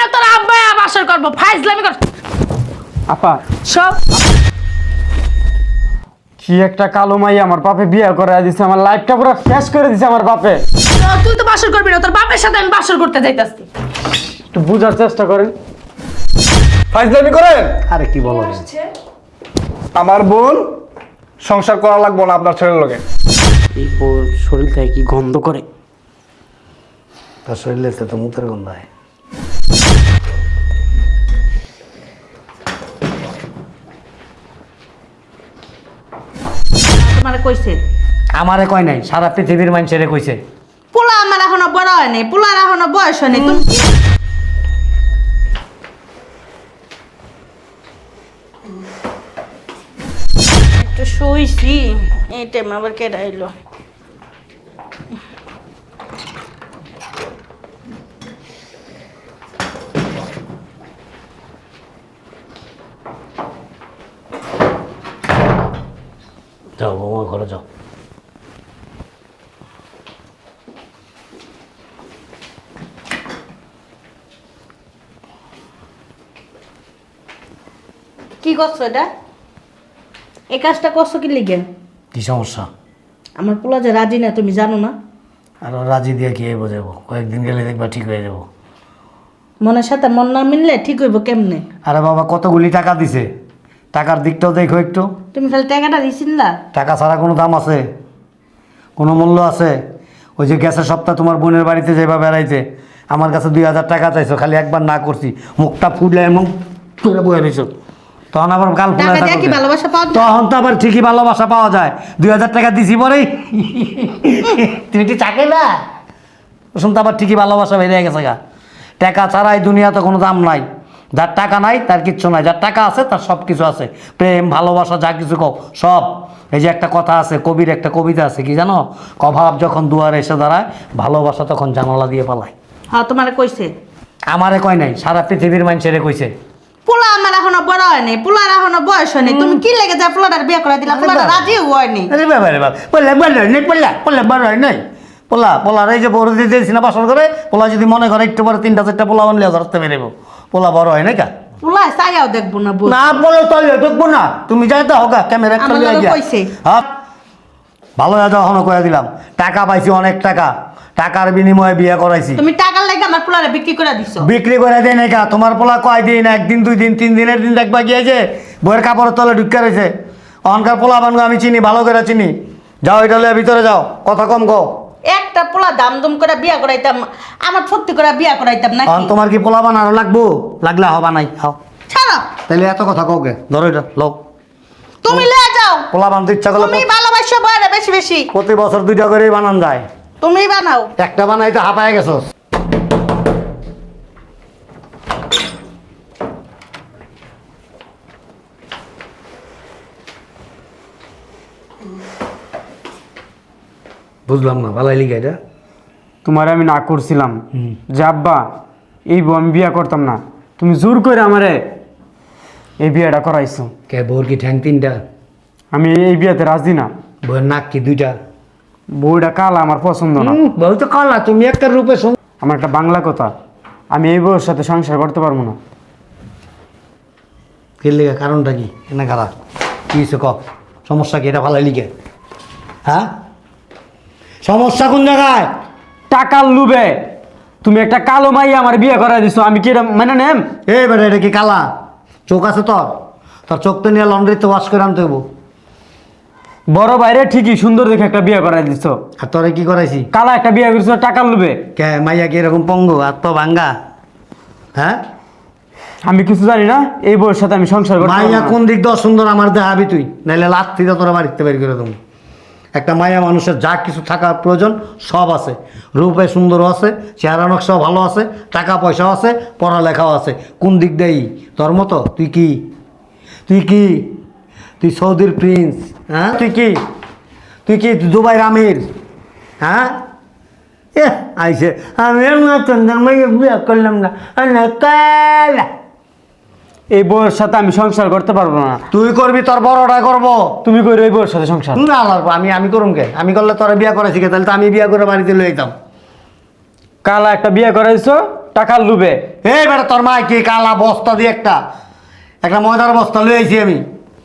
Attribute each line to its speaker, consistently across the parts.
Speaker 1: তোর আব্বা বাসর করবো ফাইজলামি কর
Speaker 2: আপা
Speaker 1: সব
Speaker 2: কি একটা কালো মাই আমার বাপে বিয়ে করে দিছে, আমার লাইফটা পুরো শেষ করে দিছে আমার বাপে।
Speaker 1: তুই তো বাসর করবি না, তোর বাপের সাথে আমি বাসর করতে যাইতাছি।
Speaker 2: একটু বুঝার চেষ্টা করেন।
Speaker 3: ফাইজলামি করেন।
Speaker 4: আরে কি বলো?
Speaker 3: আমার বোন সংসার করা লাগবো না আপনার ছেলের লগে।
Speaker 2: এই শরীর থেকে কি গন্ধ করে?
Speaker 4: তার শরীরে তো মুতের গন্ধ হয়।
Speaker 1: তোমারে কইছে
Speaker 4: আমারে কয় নাই, সারা পৃথিবীর মানুষেরে কইছে।
Speaker 1: পোলা আমার এখনো বড় হয়নি, পোলার এখনো বয়স হয়নি। তুমি একটু শুইছি, এই টাইম আবার কেডা আইলো?
Speaker 4: যাও বৌমা ঘরে যাও।
Speaker 1: কি করছো এটা? এই কাজটা করছো কি লিগে?
Speaker 4: কি সমস্যা?
Speaker 1: আমার পোলা যে রাজি না, তুমি জানো না?
Speaker 4: আর রাজি দিয়ে কি বোঝাবো? কয়েকদিন গেলে দেখবা ঠিক হয়ে যাবো।
Speaker 1: মনের সাথে মন না মিললে ঠিক হইব কেমনে?
Speaker 4: আরে বাবা কতগুলি টাকা দিছে, টাকার দিকটাও দেখো একটু।
Speaker 1: তুমি খালি টাকাটা দিছিস না?
Speaker 4: টাকা ছাড়া কোনো দাম আছে? কোনো মূল্য আছে? ওই যে গ্যাসের সপ্তাহ তোমার বোনের বাড়িতে যাইবা বেড়াইতে, আমার কাছে 2000 টাকা চাইছো, খালি একবার না করছি, মুখটা ফুটলে এমন করে বয়ে রয়েছো। তখন আবার গাল ফুলে
Speaker 1: টাকা দিয়ে কি ভালোবাসা পাওয়া যায়?
Speaker 4: তখন তো আবার ঠিকই ভালোবাসা পাওয়া যায়। 2000 টাকা দিছি পরেই তুমি কি চাকে না শুন, তো আবার ঠিকই ভালোবাসা বেরিয়ে গেছে গা। টাকা ছাড়া এই দুনিয়াতে কোনো দাম নাই। যার টাকা নাই তার কিচ্ছু নাই, যার টাকা আছে তার সব কিছু আছে। প্রেম ভালোবাসা যা কিছু কও সব। এই যে একটা কথা আছে, কবির একটা কবিতা আছে, কি জানো? অভাব যখন দুয়ারে এসে দাঁড়ায়, ভালোবাসা তখন জানালা দিয়ে পালায়।
Speaker 1: হ্যাঁ, তোমারে কইছে।
Speaker 4: আমারে কয় নাই, সারা পৃথিবীর মানুষেরে কইছে।
Speaker 1: পোলা আমার এখনো বড় হয়নি, পোলার এখনো বয়স হয়নি। তুমি কি লেগে যা পোলাটার বিয়ে করে দিলা? পোলাটা রাজি হয়নি।
Speaker 4: আরে বাবা রে বাবা, পোলা বড় নেই, পোলা পোলা বড় নাই। পোলা পোলার এই যে বড় দিয়েছি না বাসর করে, পোলা যদি মনে করে একটু পরে 3টা 4টা পোলা আনলে ধরতে বেরোব। পোলা বড় হয় না কা?
Speaker 1: পোলায় চাইয়াও দেখবো না।
Speaker 4: না বলো তাহলে দেখবো না, তুমি যাই তো হোক ক্যামেরা
Speaker 1: আমার লগে কইছে।
Speaker 4: হ্যাঁ ভালো যাও, এখনো কয়ে দিলাম। টাকা পাইছি অনেক টাকা, টাকার বিনিময়ে বিয়ে করাইছি।
Speaker 1: তুমি টাকার লাগে আমার পোলারে বিক্রি করে দিছো।
Speaker 4: বিক্রি করে দেয় না কা? তোমার পোলা কয় দিন, 1 দিন 2 দিন 3 দিনের দিন দেখবা গিয়েছে বইয়ের কাপড়ের তলে ঢুকে রয়েছে। অহংকার পোলা বানগো আমি চিনি, ভালো করে চিনি। যাও এটা লইয়া ভিতরে যাও, কথা কম কও।
Speaker 1: একটা পোলা দাম দম করে বিয়া করাইতাম, আমার ফুর্তি করে বিয়া করাইতাম নাকি?
Speaker 4: তোমার কি পোলা বানানো লাগবো? লাগলে হবা নাই হাও।
Speaker 1: ছাড়ো।
Speaker 4: তাহলে এত কথা কওকে, ধরো এটা লও।
Speaker 1: তুমি লয়ে যাও।
Speaker 4: পোলা বানাতে ইচ্ছা করলে
Speaker 1: তুমি ভালোবাসো বয়রে বেশি বেশি।
Speaker 4: প্রতি বছর 2টা করেই বানান যায়।
Speaker 1: তুমি বানাও।
Speaker 4: একটা বানাইতে হাঁপায় গেছো। বুঝলাম না, ভালাই লিখে এটা।
Speaker 2: তোমার আমি না করছিলাম যে আব্বা এই বউ আমি বিয়ে করতাম না, তুমি জোর করে আমারে এই বিয়েটা করাইছো।
Speaker 4: কে বউর কি ঠ্যাং 3টা?
Speaker 2: আমি এই বিয়েতে রাজি না।
Speaker 4: বউয়ের নাক কি 2টা?
Speaker 2: বউটা কালা, আমার পছন্দ না।
Speaker 4: বউ তো কালা, তুমি একটা রূপে
Speaker 2: আমার একটা বাংলা কথা, আমি এই বউয়ের সাথে সংসার করতে পারবো না।
Speaker 4: কি লিখে? কারণটা কি? এনে খারাপ কি হয়েছে ক? সমস্যা কি? এটা ভালাই লিখে। হ্যাঁ সমস্যা কোন জায়গায়?
Speaker 2: টাকার লুবে তুমি একটা কালো মাই আমার বিয়ে করাই দিছো, আমি কি এটা মানে নেম?
Speaker 4: এই বেটা এটা কি কালা চোখ আছে তোর? তোর চোখ তো নিয়ে লন্ড্রিতে ওয়াশ করে আনতে হবো।
Speaker 2: বড় বাইরে ঠিকই সুন্দর দেখে একটা বিয়ে করাই দিছো,
Speaker 4: আর তোরে কি করাইছি?
Speaker 2: কালা একটা বিয়ে করছো টাকার লুবে।
Speaker 4: কে মাইয়া কি এরকম পঙ্গু আর তো ভাঙ্গা? হ্যাঁ
Speaker 2: আমি কিছু জানি না, এই বউয়ের সাথে আমি সংসার করতে পারবো
Speaker 4: মাইয়া
Speaker 2: না।
Speaker 4: কোন দিক দিয়ে সুন্দর আমার দেখাবি তুই, নাইলে লাত্তিটা তোরা বাড়িতে বের করে দেবো। একটা মায়া মানুষের যা কিছু থাকার প্রয়োজন সব আছে, রূপে সুন্দরও আছে, চেহারা নকশাও ভালো আছে, টাকা পয়সাও আছে, পড়ালেখাও আছে। কোন দিক দেই তোর মতো? তুই কি তুই কি তুই সৌদির প্রিন্স? হ্যাঁ তুই কি তুই কি দুবাইয়ের আমির? হ্যাঁ আইসে আমি মাইয়া বিয়ে করলাম না কালা।
Speaker 2: এই বউয়ের সাথে আমি সংসার করতে পারবো না।
Speaker 4: তুই করবি, তোর বড়টা করবো।
Speaker 2: তুমি করো এই বউয়ের সাথে সংসার?
Speaker 4: না লাগবো, আমি করুম কে? আমি করলে তোরা বিয়া করাইছি কে? তাহলে তো আমি বিয়া করে বাড়িতে লয়ে যেতাম।
Speaker 2: কালা একটা বিয়ে করাইছো, টাকার লুবে।
Speaker 4: এই বেটা তোর মা কি কালা বস্তা দিয়ে একটা ময়দার বস্তা লয়ে আইছি আমি,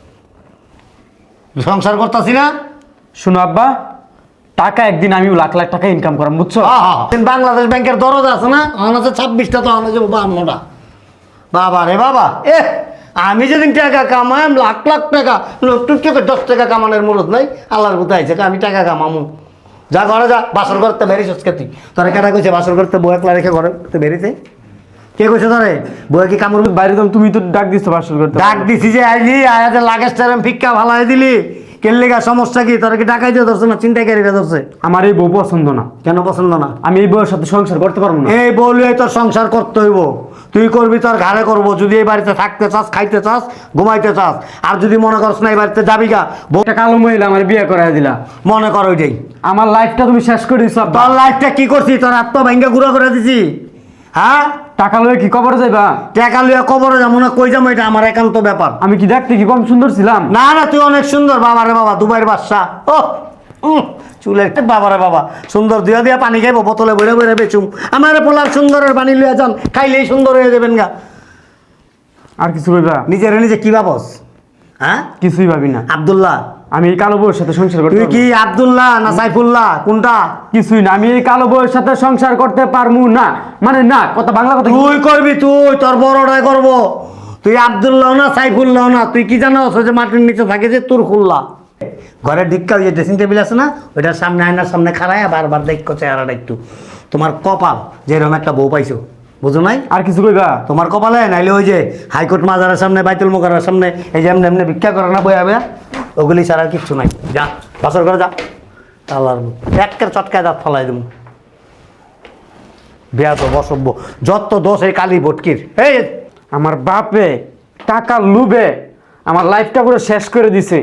Speaker 4: সংসার করতেছি না।
Speaker 2: শুনো আব্বা, টাকা একদিন আমিও লাখ লাখ টাকা ইনকাম করাম, বুঝছো?
Speaker 4: বাংলাদেশ ব্যাংকের দরজা আছে না, আমার আছে 26টা, তো আমার যাবো 52টা। বাবা রে বাবা, আমি যেদিন টাকা কামাই লাখ লাখ টাকা, টুটকে 10 টাকা কামানোর মুরত নাই। আল্লাহর বুতে আইছে আমি টাকা কামামু। যা ঘরে যা, বাসর করতে বেরিস তুই। তোরা কেটা কইছে বাসর করতে বউ একলা রেখে ঘরে বেরিতে? কে কইছে তোরে বউ কি কামড়?
Speaker 2: বাইরে তো তুমি তো ডাক দিছো বাসর করতে।
Speaker 4: ডাক দিছি যে আইলি আয়াতে লাগেজ টাইম ফিক্কা ভালাই দিলি, কেল্লিগা সমস্যা কি? তোরা কি টাকাই দিয়ে ধরছে না চিন্তাকারীরা ধরছে?
Speaker 2: আমার এই বউ পছন্দ না।
Speaker 4: কেন পছন্দ না?
Speaker 2: আমি এই বউয়ের সাথে সংসার করতে পারবো না।
Speaker 4: এই বউলিয়ে তোর সংসার করতে হইব, তুই করবি, তোর ঘাড়ে করবো। যদি এই বাড়িতে থাকতে চাস, খাইতে চাস, ঘুমাইতে চাস, আর যদি মনে করস না এই বাড়িতে যাবি গা,
Speaker 2: একটা কালো মহিলা আমার বিয়ে করাই দিলা,
Speaker 4: মনে কর ওইটাই
Speaker 2: আমার লাইফটা তুমি শেষ করে দিছো আব্বা।
Speaker 4: তোর লাইফটা কি করছি? তোর আত্ম ভাঙ্গা গুঁড়া করে দিছি। হ্যাঁ,
Speaker 2: টাকা লয়ে কি কবর যাইবা?
Speaker 4: টাকা লইয়া কবরে যাবো না, কই যাবো, এটা আমার একান্ত ব্যাপার।
Speaker 2: আমি কি দেখতে কি কম সুন্দর ছিলাম?
Speaker 4: না না, তুই অনেক সুন্দর। বাবা রে বাবা, দুবাইয়ের বাদশা। ও চুলের বাবা রে বাবা, সুন্দর দিয়া দিয়া পানি খাইবো, বোতলে বইরে বইরে বেচুম। আমার পোলার সুন্দরের পানি লইয়া যান, খাইলেই সুন্দর হয়ে যাবেন গা।
Speaker 2: আর কিছু কইবা?
Speaker 4: নিজের নিজে কি ভাবস? হ্যাঁ,
Speaker 2: কিছুই ভাবি না।
Speaker 4: আব্দুল্লাহ,
Speaker 2: আমি এই কালো বউয়ের সাথে সংসার করতে
Speaker 4: তুই
Speaker 2: পারবো
Speaker 4: কি
Speaker 2: না।
Speaker 4: আব্দুল্লাহ না সাইফুল্লাহ, কোনটা?
Speaker 2: কিছুই না, আমি এই কালো বউয়ের সাথে সংসার করতে পারমু না। মানে না, কথা বাংলা কথা।
Speaker 4: তুই করবি, তুই তোর বড়টাই করবো। তুই আব্দুল্লাহ না সাইফুল্লাহ না, তুই কি জানো যে মাটির নিচে থাকে যে তোর খুল্লা। ঘরের ঢিক্কা ওই যে ড্রেসিং টেবিল আছে না, ওইটার সামনে আয়নার সামনে খাড়ায় বারবার দেখো চেহারাটা একটু। তোমার কপাল যেরকম একটা বউ পাইছো, বুঝো নাই?
Speaker 2: আর কিছু কইবা?
Speaker 4: তোমার কপালে নাইলে ওই যে হাইকোর্ট মাজারের সামনে, বাইতুল মুকাররমের সামনে এই যে এমনি এমনি ভিক্ষা করে না বয়া বয়া, ওগুলি ছাড়া আর কিচ্ছু নাই। যা বাসর করে যা, আল্লাহর একের চটকায় দাঁত ফলাই দেবো। বিয়া তো বসব্য, যত দোষ এই কালী ভটকির। এই
Speaker 2: আমার বাপে টাকা লুবে আমার লাইফটা পুরো শেষ করে দিছে।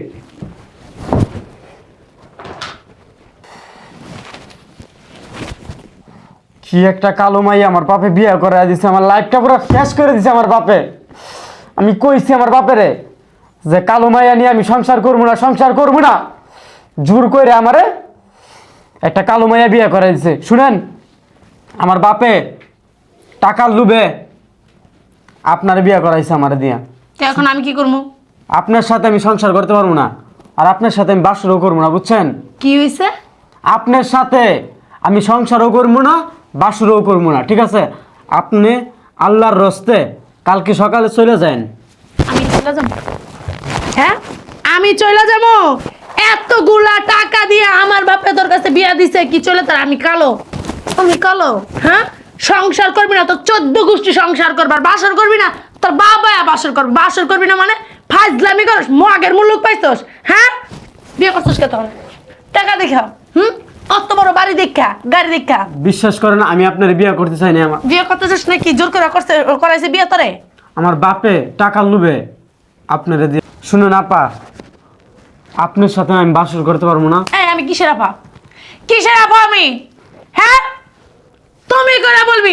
Speaker 2: কি একটা কালো মাই আমার বাপে বিয়ে করে দিছে, আমার লাইফটা পুরো শেষ করে দিছে আমার বাপে। আমি কইছি আমার বাপেরে যে কালো মাইয়া নিয়ে আমি সংসার করবো না, সংসার করবো না। জোর করে আমারে একটা কালো মাইয়া বিয়ে করে দিছে। শুনেন, আমার বাপে টাকার লুবে আপনার বিয়ে করাইছে আমার দিয়া।
Speaker 1: এখন আমি কি করবো?
Speaker 2: আপনার সাথে আমি সংসার করতে পারবো না, আর আপনার সাথে আমি বাসরও করবো না, বুঝছেন?
Speaker 1: কি হয়েছে?
Speaker 2: আপনার সাথে আমি সংসারও করবো না, বাসরও করবো না, ঠিক আছে? আপনি আল্লাহর রস্তে কালকে সকালে চলে যান।
Speaker 1: আমি চলে যাবো? হ্যাঁ, আমি চলে যাবো? এতগুলা টাকা দিয়ে আমার বাপে তোর কাছে বিয়া দিছে, কি চলে তার? আমি কালো? আমি কালো? হ্যাঁ, সংসার করবি না তো 14 গোষ্ঠী সংসার করবার, বাসর করবি না তোর বাবা বাসর করবে, বাসর করবি না মানে ফাজলামি করস, মগের মুলুক পাইছস। হ্যাঁ, বিয়ে করছস কে তখন? টাকা দেখা, অত বড় বাড়ি দেখা, গাড়ি দেখা।
Speaker 2: বিশ্বাস করেন, আমি আপনার বিয়ে করতে চাই না। আমার
Speaker 1: বিয়ে করতে চাস নাকি? জোর করে করাইছে বিয়ে তোরে?
Speaker 2: আমার বাপে টাকা লুবে আপনারে দিয়ে। শুনুন আপা, আপনার সাথে আমি বাসর করতে পারবো না।
Speaker 1: এই আমি কিসের আপা? কিসের আপা আমি? হ্যাঁ, তুমি করে বলবি?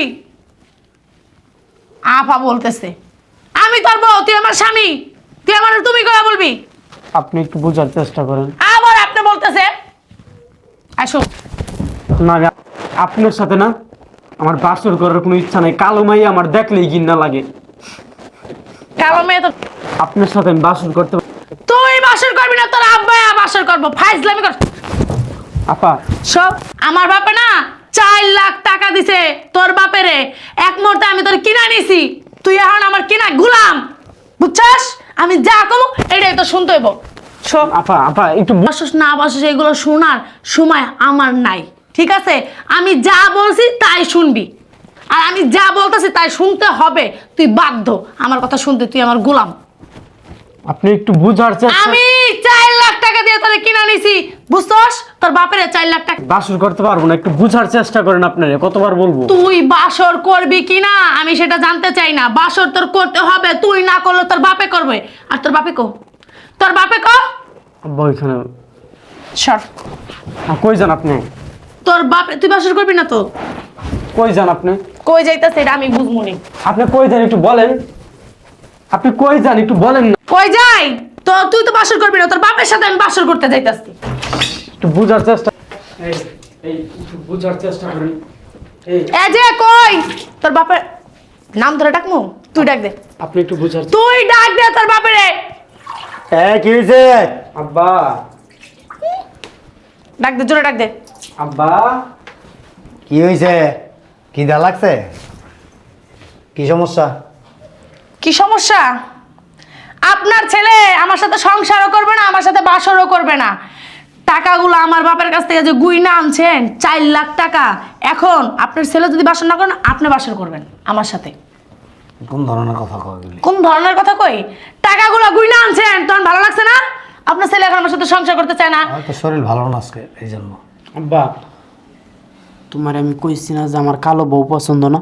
Speaker 1: আপা বলতেছে, আমি তোর বউ, তুই আমার স্বামী, তুই আমার তুমি করে বলবি?
Speaker 2: আপনি একটু বোঝার চেষ্টা করেন।
Speaker 1: আবার আপনি বলতেছে। আসো
Speaker 2: না, আমি আপনার সাথে না আমার বাসর করার কোনো ইচ্ছা নাই। কালো মাই আমার দেখলেই ঘৃণা লাগে।
Speaker 1: কালো মেয়ে তো।
Speaker 2: আপনার সাথে আমি বাসর করতে
Speaker 1: তুই বাসর করবি না, তোর আব্বা বাসর করবো, ফাইজলামি কর।
Speaker 2: আপা
Speaker 1: সব আমার বাপে না 4 লাখ টাকা দিছে তোর বাপেরে। এক মুহূর্তে আমি তোর কিনা নিছি, তুই এখন আমার কিনা গুলাম, বুঝছস? আমি যা কমু এটাই তো শুনতে হইব। সব
Speaker 2: আপা আপা একটু
Speaker 1: বাসস না বাসস এগুলো শোনার সময় আমার নাই, ঠিক আছে? আমি যা বলছি তাই শুনবি, আর আমি যা বলতেছি তাই শুনতে হবে। তুই বাধ্য আমার কথা শুনতে, তুই আমার গোলাম।
Speaker 2: আপনি একটু বুঝার চেষ্টা।
Speaker 1: আমি 4 লাখ টাকা দিয়ে তোরে কিনা নিছি, বুঝছস? তোর বাপের 4 লাখ টাকা।
Speaker 2: বাসর করতে পারবো না, একটু বুঝার চেষ্টা করেন। আপনারে কতবার বলবো?
Speaker 1: তুই বাসর করবি কিনা আমি সেটা জানতে চাই না, বাসর তোর করতে হবে। তুই না করলে তোর বাপে করবে। আর তোর বাপে কো? তোর বাপে কো?
Speaker 2: আব্বা ওইখানে।
Speaker 1: সর।
Speaker 2: কই যান আপনি?
Speaker 1: তোর বাপে, তুই বাসর করবি না তো?
Speaker 2: কই যান আপনি?
Speaker 1: কই যাইতাছে এটা আমি বুঝবো নি।
Speaker 2: আপনি কই যান একটু বলেন। আপনি কই যান একটু বলেন না।
Speaker 1: কই যাই? তো তুই তো বাসর করবি না, তোর বাপের সাথে আমি বাসর করতে যাইতাছি।
Speaker 2: একটু বুঝার চেষ্টা। এই একটু বুঝার চেষ্টা করেন।
Speaker 1: এই যে কই তোর বাপের নাম ধরে ডাকমু, তুই ডাক দে,
Speaker 2: আপনি একটু বুঝার।
Speaker 1: তুই ডাক দে তোর বাপেরে।
Speaker 4: কি হয়েছে?
Speaker 2: আব্বা,
Speaker 1: ডাক দে, জোরে ডাক দে।
Speaker 2: আব্বা,
Speaker 4: কি হয়েছে? কি দা লাগছে? কি সমস্যা?
Speaker 1: কি সমস্যা? আপনার ছেলে আমার সাথে সংসারও করবে না, আমার সাথে বাসরও করবে না। টাকাগুলো আমার বাপের কাছ থেকে যে গুইনা আনছেন 4 লাখ টাকা, এখন আপনার ছেলে যদি বাসর না করেন আপনি বাসর করবেন আমার সাথে।
Speaker 4: কোন ধরনের কথা কয় এগুলি?
Speaker 1: কোন ধরনের কথা কই? টাকাগুলো গুইনা আনছেন, তখন ভালো লাগছে না? আপনার ছেলে এখন আমার সাথে সংসার করতে চায় না।
Speaker 4: আমার তো শরীর ভালো না আজকে, এই জন্য।
Speaker 2: আব্বা, তোমার আমি কইছি না যে আমার কালো বউ পছন্দ না?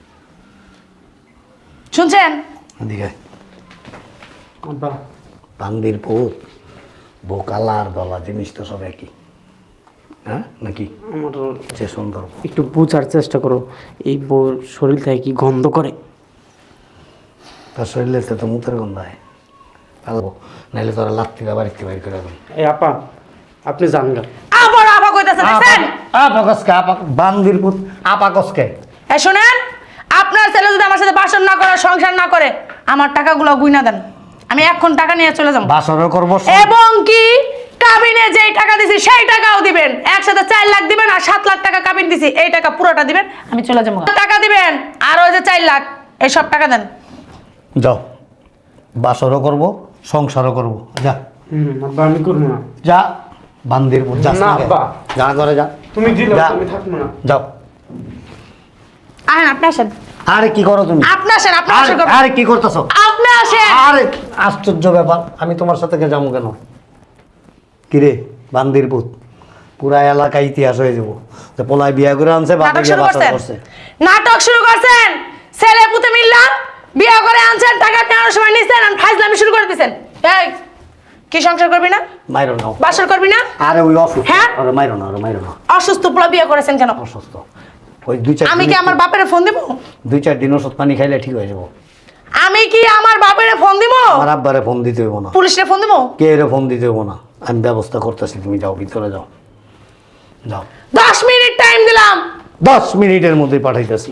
Speaker 1: শুনছেন?
Speaker 4: এদিকে
Speaker 2: আব্বা,
Speaker 4: বান্দির পুত, বউ কালা আর দলা জিনিস তো সব একই, হ্যাঁ নাকি?
Speaker 2: আমার
Speaker 4: যে সুন্দর
Speaker 2: একটু বোঝার চেষ্টা করো, এই বউর শরীর থেকে কি গন্ধ করে?
Speaker 4: তার শরীরে তো মুখের গন্ধ হয়, পালবো নাইলে তোরা লাত্তি দা বাড়িতে বাড়ি করে দেবেন।
Speaker 2: এই আপা, আপনি জান গা।
Speaker 1: আবার আবার কইতাছে দেখছেন?
Speaker 4: আপাকসকে বান্দির পুত আপাকসকে।
Speaker 1: এই শুনেন, আপনার ছেলে যদি আমার সাথে বাসর না করে, সংসার না করে, আমার টাকাগুলো গুইনা দেন, আমি এখন টাকা নিয়ে চলে যাব।
Speaker 4: বাসরও করবো
Speaker 1: এবং কি কাবিনে যেই টাকা দিছি সেই টাকাও দিবেন, একসাথে 4 লাখ দিবেন আর 7 লাখ টাকা কাবিন দিছি, এই টাকা পুরোটা দিবেন, আমি চলে যাবো। টাকা দিবেন আর ওই যে 4 লাখ, এই সব টাকা দেন।
Speaker 4: যাও, বাসরও করবো সংসারও করবো, যা
Speaker 2: আব্বা, আমি করবো না।
Speaker 4: যা বান্দির পুত, যাস
Speaker 2: না,
Speaker 4: না কে?
Speaker 2: আব্বা।
Speaker 4: যা করে যা,
Speaker 2: তুমি দিলে
Speaker 4: যা।
Speaker 2: আমি থাকবো না।
Speaker 4: যাও।
Speaker 1: আহেন আপনি আসেন,
Speaker 4: আরে কি করো তুমি?
Speaker 1: আপনি আসেন, আপনি
Speaker 4: আরে
Speaker 1: আসেন,
Speaker 4: আরে কি করতেছো?
Speaker 1: আপনি আসেন।
Speaker 4: আরে আশ্চর্য ব্যাপার, আমি তোমার সাথে কে যাবো কেন? কিরে বান্দির পুত, পুরা এলাকা ইতিহাস হয়ে যাবো যে পোলায় বিয়া করে আনছে, বাপে
Speaker 1: নাটক
Speaker 4: গিয়ে
Speaker 1: শুরু
Speaker 4: বাসর
Speaker 1: করছেন,
Speaker 4: করছে।
Speaker 1: নাটক শুরু করছেন। ছেলে পুতে মিললা বিয়ে করে আনছেন, টাকা নেওয়ার সময় নিছেন আর ফাইজলামি শুরু করে দিছেন। এই কি সংসার করবি না,
Speaker 4: মাইরো নাও।
Speaker 1: বাসর করবি না?
Speaker 4: আরে ওই অসুস্থ,
Speaker 1: হ্যাঁ?
Speaker 4: আরে মাইরো না, আরে মাইরো না,
Speaker 1: অসুস্থ পোলা বিয়ে করেছেন কেন?
Speaker 4: অসুস্থ। ওই দুই চার
Speaker 1: আমি কি
Speaker 4: দিন-
Speaker 1: আমার বাপের ফোন দিব?
Speaker 4: 2-4 দিন ওষুধ পানি খাইলে ঠিক হয়ে যাবো।
Speaker 1: আমি কি আমার বাপের ফোন দিব?
Speaker 4: আমার আব্বারে ফোন দিতে হইব না,
Speaker 1: পুলিশে ফোন দিব?
Speaker 4: কে এর ফোন দিতে হইব না, আমি ব্যবস্থা করতেছি, তুমি যাও ভিতরে যাও, যাও।
Speaker 1: 10 মিনিট টাইম দিলাম।
Speaker 4: 10 মিনিটের মধ্যে পাঠাইতেছি।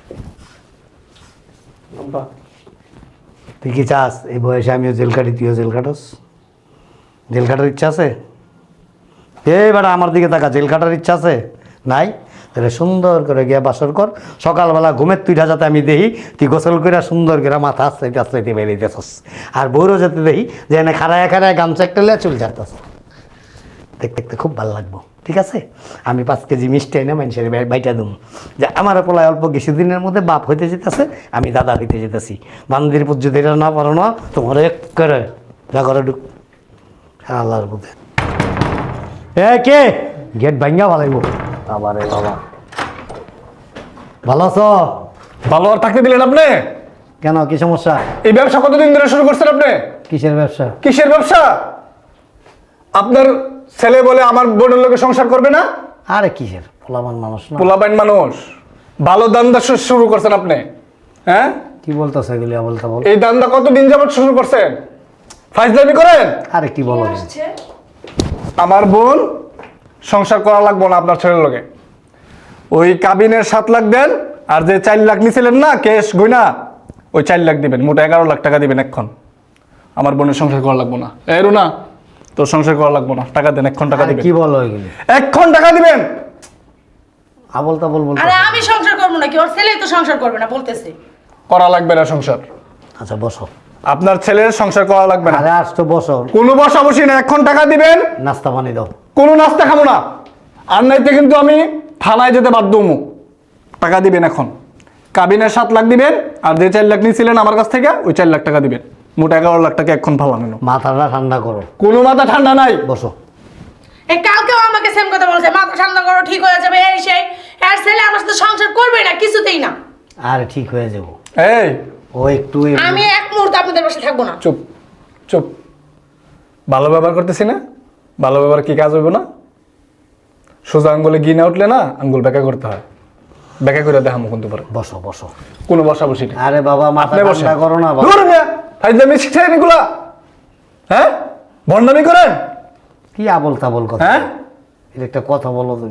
Speaker 2: আব্বা,
Speaker 4: তুই কি চাস এই বয়সে আমিও জেল কাটি, তুইও জেল কাটস? জেল কাটার ইচ্ছা আছে? এই বেটা আমার দিকে তাকা, জেল কাটার ইচ্ছা আছে? নাই? তাহলে সুন্দর করে গিয়া বাসর কর, সকালবেলা ঘুমের তুইটা যাতে আমি দেখি তুই গোসল করে সুন্দর করে মাথা আস্তে আস্তে বেরিয়েতেছস, আর বউরও যাতে দেখি যে এনে খাড়ায় খাড়ায় গামছা একটা লিয়ে চুল ঝাড়তেছ, দেখতে দেখতে খুব ভালো লাগবো। ঠিক আছে, আমি 5 কেজি মিষ্টি এনে মানুষের বাইটা দেবো যে আমার পোলায় অল্প কিছুদিনের মধ্যে বাপ হইতে যেতেছে, আমি দাদা হইতে যেতেছি। বান্দির পুত যদি এটা না পারো না, তোমার এক করে যা করে ঢুক আল্লাহর বুধে। এ কে গেট ভাঙ্গা ভালাইব আবার? এ বাবা, ভালো আছো?
Speaker 3: ভালো আর থাকতে দিলেন আপনি?
Speaker 4: কেন, কি সমস্যা?
Speaker 3: এই ব্যবসা কতদিন ধরে শুরু করছেন আপনি?
Speaker 4: কিসের ব্যবসা?
Speaker 3: কিসের ব্যবসা? আপনার ছেলে বলে আমার বোনের লোকে সংসার করবে না?
Speaker 4: আরে কিসের, পোলামান মানুষ না।
Speaker 3: পোলাপাইন মানুষ, ভালো দান্দা শুরু করছেন আপনি, হ্যাঁ?
Speaker 4: কি বলতেছে এগুলি বলতে বল?
Speaker 3: এই দান্দা কতদিন যাবত শুরু করছেন? ফাইজলামি করেন?
Speaker 4: আরে কি বলো?
Speaker 3: আমার বোন সংসার করা লাগবো না আপনার ছেলের লোকে। ওই কাবিনের 7 লাখ দেন, আর যে 4 লাখ নিছিলেন না ক্যাশ গয়না, ওই 4 লাখ দিবেন, মোট 11 লাখ টাকা দিবেন এখন। আমার বোনের সংসার করা লাগবো না। এই রুনা, তোর সংসার করা লাগবো না, টাকা দেন, এখন টাকা
Speaker 4: আরে
Speaker 3: দিবেন,
Speaker 4: কি বলো এগুলি?
Speaker 3: এখন টাকা দিবেন।
Speaker 4: আবল তাবল বলতে।
Speaker 1: আরে আমি সংসার করব না, কি ওর ছেলেই তো সংসার করবে না বলতেছে।
Speaker 3: করা লাগবে না সংসার,
Speaker 4: আচ্ছা বসো।
Speaker 3: আপনার ছেলের সংসার করা লাগবে না।
Speaker 4: আরে আসতো বসো,
Speaker 3: কোনো বসা বসি না, এখন টাকা দিবেন,
Speaker 4: নাস্তা পানি দাও।
Speaker 3: কোনো নাস্তা খাবো না, আর নাইতে কিন্তু আমি থানায় যেতে বাধ্য হবো। টাকা দিবেন এখন, কাবিনের 7 লাখ দিবেন, আর যে 4 লাখ নিয়েছিলেন আমার কাছ থেকে ওই 4 লাখ টাকা দিবেন, মোট 11 লাখ টাকা এখন ফালানো।
Speaker 4: মাথাটা ঠান্ডা করো,
Speaker 3: কোনো মাথা ঠান্ডা নাই।
Speaker 4: বসো।
Speaker 1: এই কালকেও আমাকে সেম কথা বলছে, মাথা ঠান্ডা করো, ঠিক হয়ে যাবে, এই সেই। আর ছেলে আমার সাথে সংসার করবে না, কিছুতেই না।
Speaker 4: আরে ঠিক হয়ে যাবো,
Speaker 3: এই
Speaker 4: ও একটু
Speaker 1: আমি এক মুহূর্ত আপনাদের পাশে থাকবো না।
Speaker 3: চুপ চুপ, ভালো ব্যবহার করতেছি না? ভালো ব্যবহার কি কাজ হইব না? সোজা আঙ্গুলে ঘি না উঠলে না, আঙ্গুল বেঁকা করতে হয়, বেঁকা করে দেখামো কিন্তু পরে।
Speaker 4: বসো বসো।
Speaker 3: কোনো বসা বসি না।
Speaker 4: আরে বাবা মাথা
Speaker 3: আপনি বসেন।
Speaker 4: ঠান্ডা করো না বাবা।
Speaker 3: ধরুন মিয়া, ফাইজলামি শিখছেন এগুলা? হ্যাঁ, ভণ্ডামি করেন?
Speaker 4: কি আবল তাবল কথা?
Speaker 3: হ্যাঁ,
Speaker 4: এটা একটা কথা বলো তুমি।
Speaker 1: এটা মনে হয়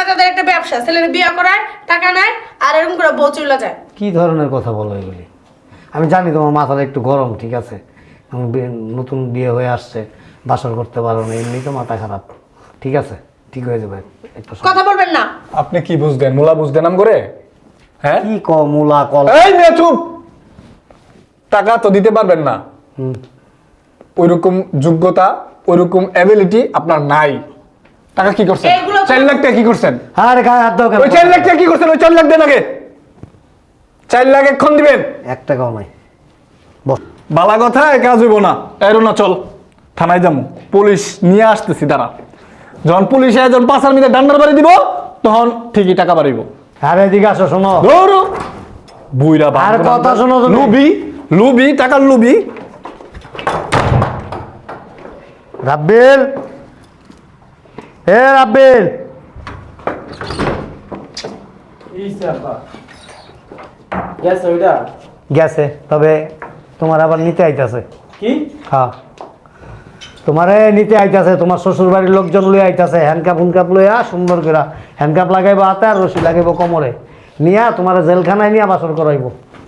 Speaker 1: তাদের একটা ব্যবসা, ছেলের বিয়ে করায় টাকা নেয় আর এরকম করে বউ চলে যায়।
Speaker 4: কি ধরনের কথা বলো এগুলি? আমি জানি তোমার মাথাটা একটু গরম, ঠিক আছে, নতুন বিয়ে হয়ে আসছে, বাসর করতে পারো না, এমনি তো মাথা খারাপ, ঠিক আছে, ঠিক হয়ে যাবে একটু সময়।
Speaker 1: কথা বলবেন না।
Speaker 3: আপনি কি বুঝলেন, মুলা বুঝলেন নাম করে? হ্যাঁ,
Speaker 4: কি কমুলা কল।
Speaker 3: এই মেয়ে চুপ। টাকা তো দিতে পারবেন না, ওইরকম যোগ্যতা ওইরকম অ্যাবিলিটি আপনার নাই। টাকা কি করছেন?
Speaker 1: এগুলো তো-
Speaker 3: 4 লাখ টাকা কি করছেন?
Speaker 4: আরে গায়ে হাত দাও কেন?
Speaker 3: ওই 4 লাখ টাকা কি করছেন? ওই 4 লাখ দেন আগে। 4 লাখ এখন দিবেন।
Speaker 4: 1 টাকাও নাই। বস।
Speaker 3: বালা কথা কাজ হইব না। এরো না, চল থানায় যাবো, পুলিশ নিয়ে আসতেছি দাঁড়া। যখন পুলিশ যখন পাশার মিলে ডান্ডার বাড়ি দিব তখন ঠিকই টাকা বাড়িব।
Speaker 4: আরে এদিকে আসো, শোনো।
Speaker 3: ধরো বুইরা
Speaker 4: আর কথা শোনো তুমি।
Speaker 3: লুবি লুবি, টাকার লুবি।
Speaker 4: রাব্বিল, রাব্বিল, গেছে, তবে তোমার আবার নিতে আইতাছে।
Speaker 2: কি?
Speaker 4: হ্যাঁ, তোমারে নিতে আইতাছে, তোমার শ্বশুর বাড়ির লোকজন লই আইতাছে, হ্যান্ডকাপ হুনকাপ লইয়া সুন্দর করে হ্যান্ডকাপ লাগাইবো হাতে আর রশি লাগাইবো কোমরে, নিয়া তোমার জেলখানায় নিয়ে বাসর করাইব।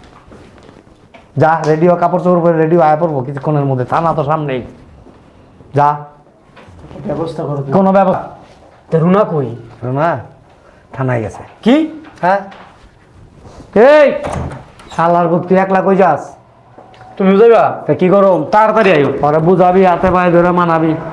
Speaker 4: যা রেডিও, কাপড় চোপড় পরে রেডিও আয়া পড়বো কিছুক্ষণের মধ্যে, থানা তো সামনেই। যা,
Speaker 2: ব্যবস্থা করো।
Speaker 4: কোনো ব্যবস্থা
Speaker 2: রুনা কই?
Speaker 4: না, থানায় গেছে।
Speaker 2: কি?
Speaker 4: হ্যাঁ, এই শালার বুক, তুই একলা কই যাস?
Speaker 2: তুমি যাইবা?
Speaker 4: তা কি করো?
Speaker 2: তাড়াতাড়ি আইও।
Speaker 4: পরে বুঝাবি, হাতে পায়ে ধরে মানাবি।